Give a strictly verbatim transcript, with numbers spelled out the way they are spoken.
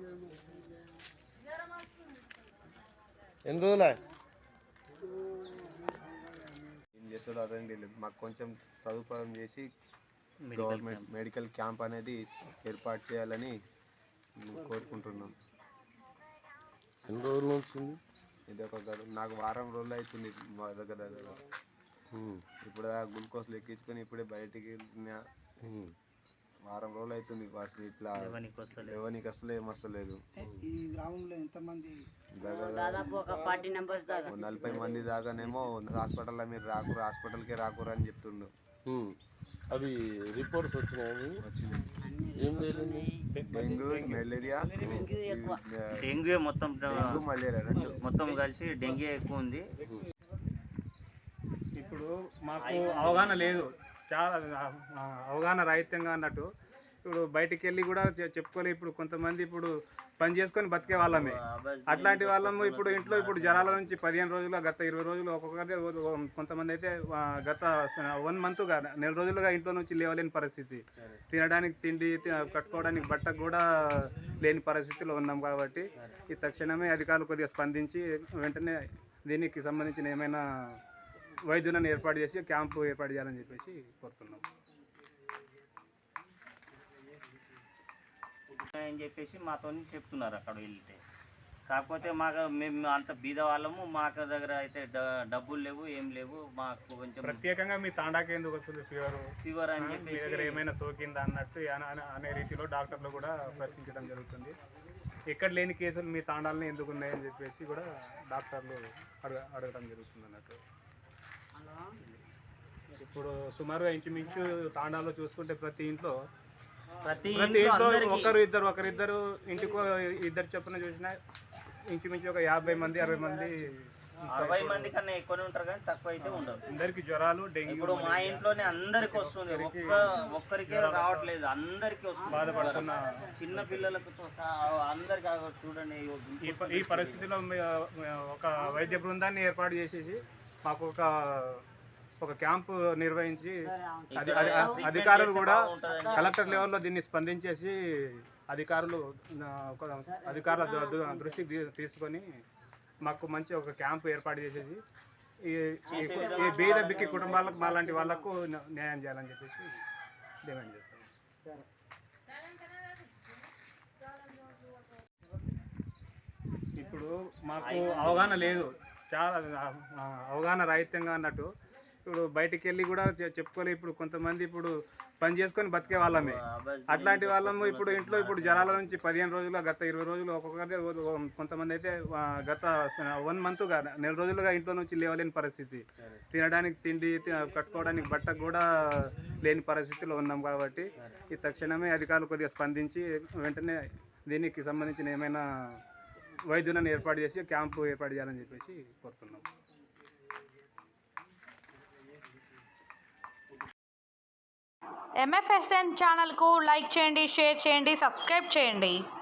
ఎన్ని రోజులు ఏం చేస్తాడో అదేం తెలియదు. మాకు కొంచెం సదుపాయం చేసి గవర్నమెంట్ మెడికల్ క్యాంప్ అనేది ఏర్పాటు చేయాలని కోరుకుంటున్నాం. ఎన్ని రోజుల నుంచి ఇది ఒక నాకు వారం రోజులు అవుతుంది మా దగ్గర దగ్గర. ఇప్పుడు గ్లూకోజ్ ఎక్కించుకొని ఇప్పుడే బయటికి వారం రోజులు అవుతుంది. వాటి ఇట్లా ఎవరికి అసలు ఏం వస్తలేదు. ఈ గ్రామంలో ఎంతమంది? నలభై మంది దాకానేమో హాస్పిటల్లో మీరు రాకూరు, హాస్పిటల్కే రాకూరు అని చెప్తుండు. అవి రిపోర్ట్స్ వచ్చినాయి. వచ్చినాయి. ఏం లేదు, డెంగ్యూ, మలేరియా. డెంగ్యూ మొత్తం డెంగ్యూ మలేరియా రెండు మొత్తం కలిసి డెంగ్యూ ఎక్కువ ఉంది. ఇప్పుడు మాకు అవగాహన లేదు, చాలా అవగాహన రాహిత్యంగా అన్నట్టు. ఇప్పుడు బయటికి వెళ్ళి కూడా చెప్పుకోలే. ఇప్పుడు కొంతమంది ఇప్పుడు పని చేసుకొని బతికే వాళ్ళమే. అట్లాంటి వాళ్ళము ఇప్పుడు ఇంట్లో ఇప్పుడు జ్వరాల నుంచి పదిహేను రోజులు గత ఇరవై రోజులు ఒక్కొక్కరి కొంతమంది అయితే గత వన్ మంత్గా నెల రోజులుగా ఇంట్లో నుంచి లేవలేని పరిస్థితి. తినడానికి తిండి, కట్టుకోవడానికి బట్టకు కూడా లేని పరిస్థితిలో ఉన్నాం. కాబట్టి ఈ తక్షణమే అధికారులు కొద్దిగా స్పందించి వెంటనే దీనికి సంబంధించిన ఏమైనా వైద్యులను ఏర్పాటు చేసి క్యాంపు ఏర్పాటు చేయాలని చెప్పేసి కోరుతున్నాం అని చెప్పేసి మాతో చెప్తున్నారు అక్కడ వెళ్తే. కాకపోతే మాకు మేము అంత బీద వాళ్ళము, మాకు దగ్గర అయితే డబ్బులు లేవు, ఏం లేవు. మాకు కొంచెం ప్రత్యేకంగా మీ తాండాకి ఎందుకు వస్తుంది ఫీవర్ ఫీవర్ అని చెప్పి దగ్గర ఏమైనా సోకిందా అన్నట్టు అనే రీతిలో డాక్టర్లు కూడా ప్రశ్నించడం జరుగుతుంది. ఎక్కడ లేని కేసులు మీ తాండాలని ఎందుకు ఉన్నాయని చెప్పేసి కూడా డాక్టర్లు అడగ అడగడం జరుగుతుంది అన్నట్టు. ఇప్పుడు సుమారుగా ఇంచుమించు తాండాలో చూసుకుంటే ప్రతి ఇంట్లో ప్రతి ప్రతి ఇంట్లో ఒకరు ఇద్దరు ఒకరిద్దరు ఇంటికి ఇద్దరు చొప్పున చూసినా ఇంచుమించు ఒక యాభై మంది అరవై మంది అరవై మంది కన్నా ఎక్కువనే ఉంటారు, కానీ తక్కువ అయితే ఉండరు. అందరికి జ్వరాలు, డెంగ్యూ. ఇప్పుడు మా ఇంట్లోనే అందరికి వస్తుంది, ఒక్క ఒక్కరికే రావట్లేదు, అందరికి వస్తుంది. బాధపడుతున్న చిన్న పిల్లలకు అందరికి చూడండి. ఈ పరిస్థితిలో ఒక వైద్య బృందాన్ని ఏర్పాటు చేసేసి మాకు ఒక ఒక క్యాంపు నిర్వహించి అధికారులు కూడా కలెక్టర్ లెవెల్లో దీన్ని స్పందించేసి అధికారులు అధికారుల దృష్టికి తీసుకొని మాకు మంచి ఒక క్యాంపు ఏర్పాటు చేసేసి ఈ ఈ బీద బిక్కి కుటుంబాలకు మాలాంటి వాళ్ళకు న్యాయం చేయాలని చెప్పేసి డిమాండ్ చేస్తాం. ఇప్పుడు మాకు అవగాహన లేదు, చాలా అవగాహన రాహిత్యంగా అన్నట్టు. ఇప్పుడు బయటికి వెళ్ళి కూడా చెప్పుకోలే. ఇప్పుడు కొంతమంది ఇప్పుడు పని చేసుకొని బతికే వాళ్ళమే. అట్లాంటి వాళ్ళము ఇప్పుడు ఇంట్లో ఇప్పుడు జ్వరాల నుంచి పదిహేను రోజులు గత ఇరవై రోజులు ఒక్కొక్కరి కొంతమంది అయితే గత వన్ మంత్గా నెల రోజులుగా ఇంట్లో నుంచి లేవలేని పరిస్థితి. తినడానికి తిండి, కట్టుకోవడానికి బట్టకు కూడా లేని పరిస్థితిలో ఉన్నాం. కాబట్టి ఈ తక్షణమే అధికారులు కొద్దిగా స్పందించి వెంటనే దీనికి సంబంధించిన ఏమైనా వైద్యులను ఏర్పాటు చేసి క్యాంపు ఏర్పాటు చేయాలని చెప్పేసి కోరుతున్నాం. ఎంఎఫ్ఎస్ఎన్ ఛానల్కు లైక్ చేయండి, షేర్ చేయండి, సబ్స్క్రైబ్ చేయండి.